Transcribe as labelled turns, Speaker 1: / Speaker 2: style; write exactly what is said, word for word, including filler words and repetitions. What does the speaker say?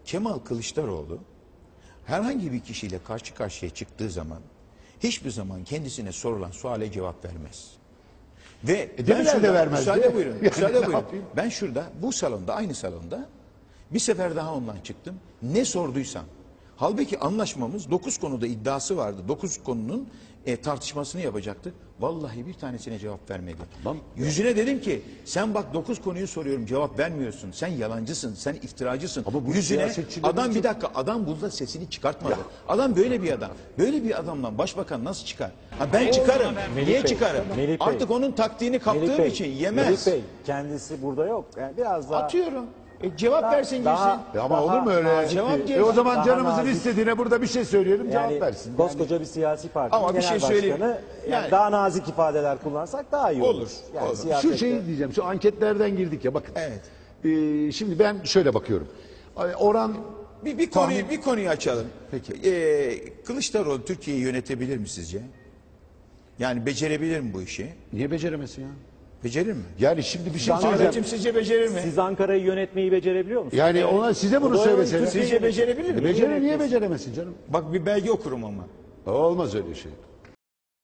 Speaker 1: Kemal Kılıçdaroğlu herhangi bir kişiyle karşı karşıya çıktığı zaman hiçbir zaman kendisine sorulan suale cevap vermez. Ve
Speaker 2: E,
Speaker 1: ben şurada,
Speaker 2: vermezdi.
Speaker 1: müsaade buyurun,
Speaker 2: Yani
Speaker 1: müsaade
Speaker 2: ne
Speaker 1: buyurun.
Speaker 2: yapayım?
Speaker 1: Ben şurada, bu salonda, aynı salonda bir sefer daha ondan çıktım. Ne sorduysam. Halbuki anlaşmamız dokuz konuda iddiası vardı. dokuz konunun e, tartışmasını yapacaktık. Vallahi bir tanesine cevap vermedi.
Speaker 2: Tamam.
Speaker 1: Yüzüne dedim ki sen bak dokuz konuyu soruyorum cevap vermiyorsun. Sen yalancısın, sen iftiracısın.
Speaker 2: Ama bu
Speaker 1: Yüzüne
Speaker 2: siyasetçilerin
Speaker 1: adam bir
Speaker 2: çok-
Speaker 1: dakika adam burada sesini çıkartmadı. Adam böyle bir adam. Böyle bir adamdan başbakan nasıl çıkar? Ha ben çıkarım.
Speaker 3: Melih
Speaker 1: Niye
Speaker 3: Bey,
Speaker 1: çıkarım?
Speaker 3: Melih Bey.
Speaker 1: Artık onun taktiğini kaptığım
Speaker 3: Melih Bey,
Speaker 1: için yemez.
Speaker 3: Melih Bey kendisi burada yok. Yani biraz daha
Speaker 1: Atıyorum. E, cevap
Speaker 3: daha-
Speaker 1: versin
Speaker 3: daha-
Speaker 1: girsin.
Speaker 2: E ama
Speaker 3: daha
Speaker 2: olur mu öyle?
Speaker 3: nazik
Speaker 1: Cevap
Speaker 3: bir-
Speaker 1: diye-
Speaker 2: E o zaman
Speaker 3: daha
Speaker 2: canımızın
Speaker 3: nazik-
Speaker 2: istediğine burada bir şey söyleyelim,
Speaker 3: yani
Speaker 2: cevap versin. Yani
Speaker 3: koskoca bir siyasi partinin
Speaker 1: Ama bir
Speaker 3: genel
Speaker 1: şey söyleyeyim.
Speaker 3: başkanı yani
Speaker 1: Yani-
Speaker 3: daha nazik ifadeler kullansak daha iyi olur.
Speaker 1: Olur,
Speaker 3: Yani
Speaker 1: olur.
Speaker 3: siyasette-
Speaker 2: şu şeyi diyeceğim, şu anketlerden girdik ya bakın.
Speaker 1: Evet.
Speaker 2: Ee, şimdi ben şöyle bakıyorum. Ay, Oran
Speaker 1: Bir, bir konuyu
Speaker 2: Tahmin-
Speaker 1: bir konuyu açalım.
Speaker 2: Peki.
Speaker 1: Ee, Kılıçdaroğlu Türkiye'yi yönetebilir mi sizce? Yani becerebilir mi bu işi?
Speaker 2: niye beceremesin ya?
Speaker 1: Becerir mi?
Speaker 2: Yani şimdi bir şey söyleyeceğim.
Speaker 1: Ahmetciğim sizce becerir mi?
Speaker 3: Siz Ankara'yı yönetmeyi becerebiliyor musunuz?
Speaker 2: Yani ona size bunu
Speaker 3: O da
Speaker 2: söylesene.
Speaker 3: Türkiye
Speaker 1: Sizce becerebilir mi?
Speaker 2: E, becere niye beceremesin canım?
Speaker 1: Bak bir belge okurum ama.
Speaker 2: Olmaz öyle şey.